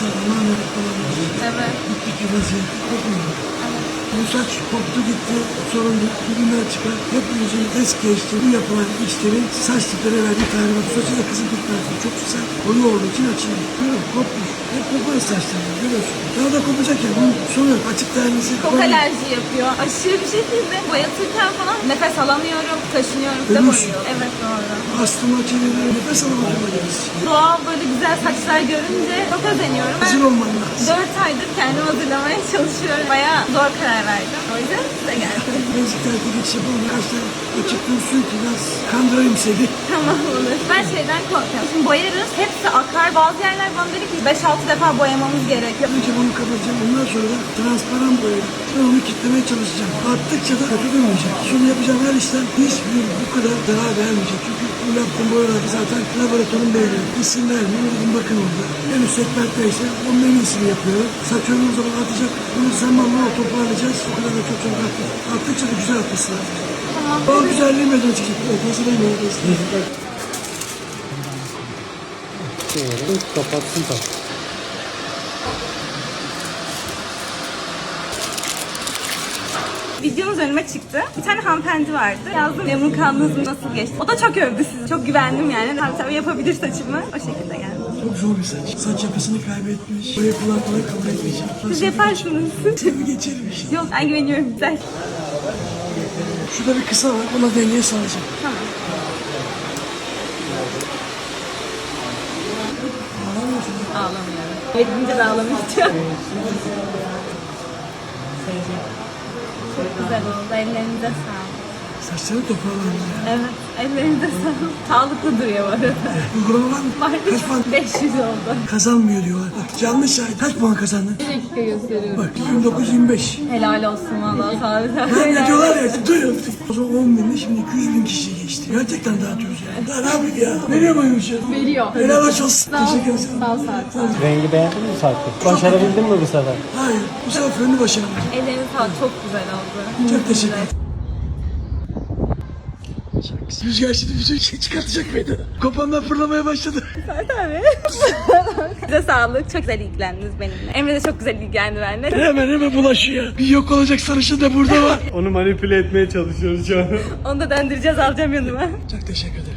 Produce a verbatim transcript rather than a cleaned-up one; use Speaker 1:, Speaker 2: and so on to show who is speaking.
Speaker 1: tamamen falan.
Speaker 2: Evet.
Speaker 1: Bittik bir vaziyette. Kopmuyor.
Speaker 2: Evet.
Speaker 1: Bu saç koptu gitti, sorun değil, bugünler çıkar. Hep yüzünü es geçti. Bu yapılan işlerin saç tiplere verdiği tarihi bak. Saçı da kızıl gitmez. Çok güzel. Koyu olduğu için açılıyor. Görüyorum, kopmuş. Hep kopar saçlar. Görüyorsun. Daha da kopacak ya. Bunun sonu yok. Açık tanesi.
Speaker 2: Çok alerji yapıyor. Aşırı bir şekilde boyatırken falan nefes alamıyorum, kaşınıyorum. Bir de
Speaker 1: Ölürsün.
Speaker 2: boyuyor. Evet doğru.
Speaker 1: Astıma çeviriyor. Nefes alamadım.
Speaker 2: Doğal böyle güzel saçlar görünce çok özeniyorum.
Speaker 1: Hazır olman lazım.
Speaker 2: dört aydır kendimi hazırlamaya çalışıyorum. Bayağı zor karar verdim. O yüzden size geldim.
Speaker 1: Benziklerde geçiş yapalım. Kaç tane açıktan su ki biraz kandırayım seni.
Speaker 2: Tamam olur. Ben şeyden korkuyorum. Şimdi boyarız. Hepsi akar. Bazı yerler bana dedi ki beş altı defa boyamamız gerekiyor.
Speaker 1: Önce bunu kapatacağım. Ondan sonra da transparan boyayla ben onu kitlemeye çalışacağım. Arttıkça da kötü durmayacak. Şunu yapacağım her işten hiçbir bu kadar zarar vermeyecek. Çünkü bu yaptığım boyalarda zaten laboratuvarın belli. İsim vermiyor. Dedim bakın orada. En üst segmentteyse onun en iyisini yapıyorum. Saç ömrüm zaman artacak. Bunu zamanla toparlayacağız. O kadar da çok çok artacak. Arttıkça da güzel artması lazım.
Speaker 2: Tamam.
Speaker 1: O güzelliği meydana çıkacak. Evet, hazırlayın arkadaşlar.
Speaker 3: Kapatsın tabii.
Speaker 2: Videomuz önüme çıktı. Bir tane hanımefendi vardı. Yazdım memnun kaldınız mı, nasıl geçti? O da çok övdü sizi. Çok güvendim yani. Tabii tabii yapabilir saçımı. O şekilde geldim.
Speaker 1: Çok zor bir saç. Saç yapısını kaybetmiş. Boya kolay kolay kabul etmeyeceğim.
Speaker 2: Siz yaparsınız.
Speaker 1: Tabii geçelim işte.
Speaker 2: Yok ben güveniyorum. Güzel.
Speaker 1: Şurada bir kısa var. Ona dengeye sağlayacağım.
Speaker 2: Tamam. Ağlamıyorum. Yedince de ağlamayacağım. Çok güzel oldu. Ellerinize sağlık.
Speaker 1: Saçları toparlandı.
Speaker 2: Evet. Ellerinize sağlık. Sağlıklı duruyor bu arada.
Speaker 1: Uygulama var mı?
Speaker 2: Var.
Speaker 1: Kaç puan
Speaker 2: beş yüz oldu.
Speaker 1: kazanmıyor diyorlar. Bak canlı şahit. Kaç puan kazandın?
Speaker 2: Bir dakika gösteriyorum.
Speaker 1: Bak yirmi dokuz yirmi beş.
Speaker 2: Helal olsun valla. Sağ olun.
Speaker 1: Ben ne diyorlar ya. Duyuyorum. O zaman on binde şimdi iki yüz bin kişi geçti. Gerçekten dağıtıyoruz ya. Daha ne yapayım ya? Veriyor muymuş ya?
Speaker 2: Veriyor.
Speaker 1: Helal olsun.
Speaker 2: Sağ ol.
Speaker 1: Teşekkür ederim.
Speaker 2: Sağ ol. Sağ ol.
Speaker 3: Rengi beğendin mi farkı? Başarabildin mi bu sefer?
Speaker 1: Hayır. Bu sefer fönünü başaramadım.
Speaker 2: Ellerinize sağlık. Çok güzel oldu.
Speaker 1: Çok teşekkür ederim. Rüzgar şimdi bütün şey çıkartacak meydana. Kopanlar fırlamaya başladı.
Speaker 2: Tabii. Size sağlık. Çok güzel ilgilendiniz benimle. Emre de çok güzel ilgilendi benimle.
Speaker 1: Hemen hemen bulaşıyor. Bir yok olacak sarışın da burada var.
Speaker 3: Onu manipüle etmeye çalışıyoruz şu an.
Speaker 2: Onu da döndüreceğiz, alacağım yanıma.
Speaker 1: Çok teşekkür ederim.